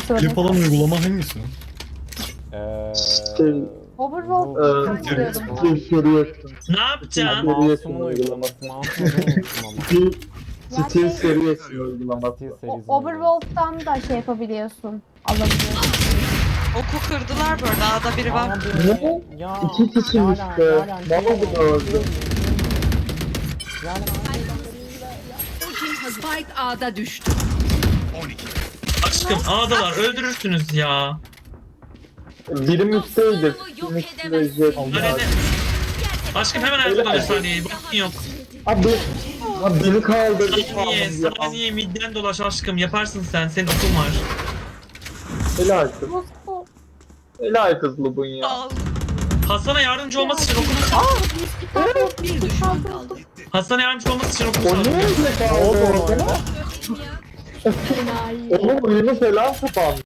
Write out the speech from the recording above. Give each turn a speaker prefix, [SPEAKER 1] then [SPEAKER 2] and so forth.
[SPEAKER 1] Klip
[SPEAKER 2] söyle.
[SPEAKER 1] olan uygulama hangisi?
[SPEAKER 2] Overworld
[SPEAKER 3] Ne yapacaksın?
[SPEAKER 4] Mouse'umun uygulaması. Mouse'umun unuttum ama.
[SPEAKER 5] Steel Series'in uygulaması.
[SPEAKER 2] Overworld'dan da şey yapabiliyorsun. Alabiliyorsun.
[SPEAKER 6] Oku kırdılar böyle. Dağda biri var.
[SPEAKER 4] Abi ya.
[SPEAKER 5] İki kişi
[SPEAKER 4] Yaren,
[SPEAKER 5] işte.
[SPEAKER 4] Yaren,
[SPEAKER 5] Ne oldu da öldü?
[SPEAKER 4] Yaren,
[SPEAKER 7] Spike A'da düştü.
[SPEAKER 3] Aşkım ağdalar öldürürsünüz ya.
[SPEAKER 5] Birim üstteydi. Birim üstte jet.
[SPEAKER 3] Arene. Aşkım hemen ayakta bir saniye. Bakın yok.
[SPEAKER 5] Abi beni kaldırdı.
[SPEAKER 3] Saniye, saniye midden dolaş aşkım. Yaparsın sen. Senin okun var.
[SPEAKER 5] Helal kız.
[SPEAKER 2] Moskova.
[SPEAKER 5] Helal kız Lubun ya.
[SPEAKER 6] Al.
[SPEAKER 3] Hasan'a yardımcı olması için okunu
[SPEAKER 7] Bir düşman kaldı.
[SPEAKER 3] Hasan'a yardımcı olması için okunu
[SPEAKER 5] O
[SPEAKER 3] sal.
[SPEAKER 5] ne öyle kaldı orada? Oğlum oyunu falan kapandı.